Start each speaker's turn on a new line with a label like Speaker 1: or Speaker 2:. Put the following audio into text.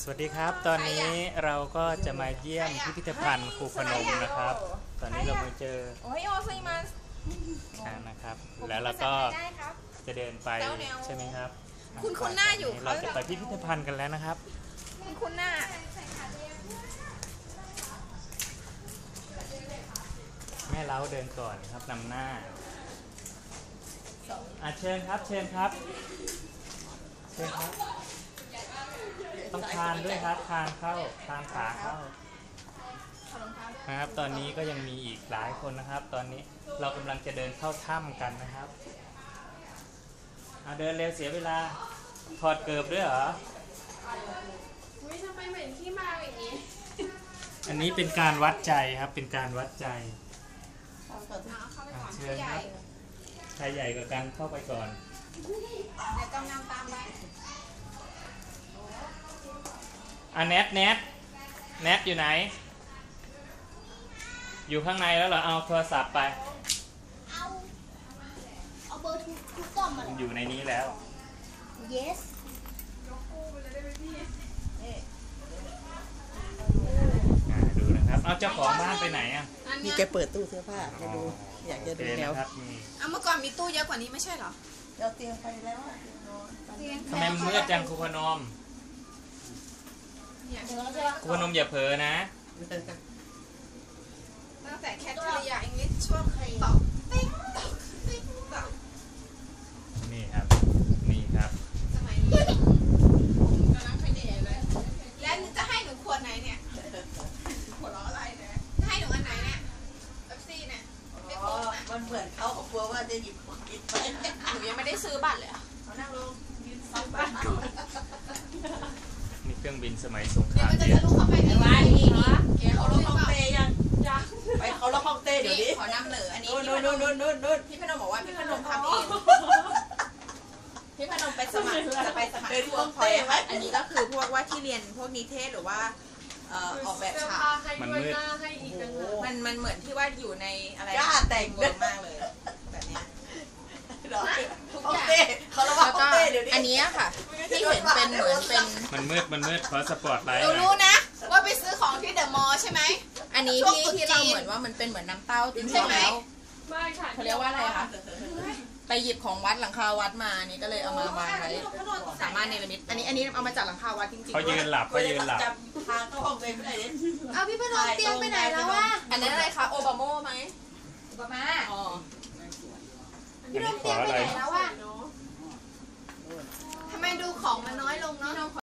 Speaker 1: วัสดีครับตอนนี้เราก็จะมาเยี่ยมพิพิธภัณฑ์ครูพนมนะครับตอนนี้เรามาเจอนะครับแล้วเราก็จะเดินไปใช่ไหมครับ
Speaker 2: คุณหน้าอยู่
Speaker 1: เราจะไปพิพิธภัณฑ์กันแล้วนะครับ
Speaker 2: คุณหน้า
Speaker 1: แม่เล้าเดินก่อนครับนำหน้าเชิญครับเชิญครับเชิญครับต้องคานด้วยครับคานเข้าคานขาเข้านะครับตอนนี้ก็ยังมีอีกหลายคนนะครับตอนนี้เรากำลังจะเดินเข้าถ้ำกันนะครับเดินเร็วเสียเวลาถอดเกิบด้วยเหรอ
Speaker 2: ทำไมเหมือนที่มาอย่างนี้
Speaker 1: อันนี้เป็นการวัดใจครับเป็นการวัดใจเชิญครับใครใหญ่กว่ากันเข้าไปก่อน
Speaker 2: เดี๋ยวกำลังตามไป
Speaker 1: แนทอยู่ไหนอยู่ข้างในแล้วเหรอเอาโทรศัพท์ไป
Speaker 3: เอาเบอร์ทุกกล่องมา
Speaker 1: อยู่ในนี้แล้ว
Speaker 3: yes
Speaker 1: ดูนะครับเอาเจ้าของบ้านไปไหนอ่ะ
Speaker 4: นี่แกเปิดตู้เสื้อผ้าจะดูอยากจะดูแล้ว
Speaker 2: เมื่อก่อนมีตู้เยอะกว่านี้ไม่ใช่เหรอ
Speaker 4: เราเตียงไปแล้ว
Speaker 1: ทำไมมืดจังครูพนมครูพนมอย่าเผลอนะ
Speaker 2: ตั้งแต่แคทเธอรียาอังกฤษช่วงตอกติ๊กตอกติ๊กตอก
Speaker 1: นี่ครับ
Speaker 2: สมัยนี้กำลังไปเดทเลยแล้วจะให้หนูขวดไหนเนี่ยขวดล้ออะไรเนี่ยจะให้หนูอันไหนเนี่ยเอฟซีเนี่ย
Speaker 4: มันเหมือนเขากลัวว่าจะหยิบของกินไป
Speaker 2: หนูยังไม่ได้ซื้อบัตรเลยเขานั่งลงยืนซื้อบัตรก่อน
Speaker 1: นี่เครื่องบินสมัยสงคราม
Speaker 2: เย็นจะลุกเข้าไปในวัดนี่
Speaker 4: เขาล็อกห้องเต้ยังไปเขาล็อกห้องเต้เดี๋ยวนี้
Speaker 2: ขอนำเหนืออันนี้
Speaker 4: นู่น
Speaker 2: พี่พนมบอกว่าพี่พนมทำเองพี่พนมไปสมัครจะไปสมัครพวกคอยอันนี้ก็คือพวกว่าที่เรียนพวกนิเทศหรือว่าออกแบบฉาก
Speaker 1: มันมืด
Speaker 2: มันเหมือนที่ว่าอยู่ในอะไร
Speaker 4: กล้าแต่ง
Speaker 2: เวิร์มากเลยแบบนี้
Speaker 4: ทุกอย่างเขาล็อกห้องเต้เดี๋ยวนี้
Speaker 2: อันนี้ค่ะที่เห็นเป็นเหมือนเป็น
Speaker 1: มันมืดเพราะสปอร์ตไลท์
Speaker 2: รู้นะว่าไปซื้อของที่เดอะมอลล์ใช่ไหมอันนี้ที่เราเหมือนว่ามันเป็นเหมือนน้ำเต้าจริงใช่ไหมไม่ค่ะเขาเรียกว่าอะไรคะไปหยิบของวัดหลังคาวัดมานี่ก็เลยเอามาวางไว้สามารถเนรมิตอันนี้เอามาจากหลังคาวัดจริงๆ
Speaker 1: เขายืนหลับ
Speaker 4: จำทางเข้าห้องเต้ไม่ได้เนี่ย
Speaker 2: เอาพี่พนมเตียงไปไหนแล้ววะอันนั้นอะไรคะโอบามาไหมโอบามาพี่พนมเตียงไปไหนแล้ววะทำไมดูของมันน้อยลงเนาะ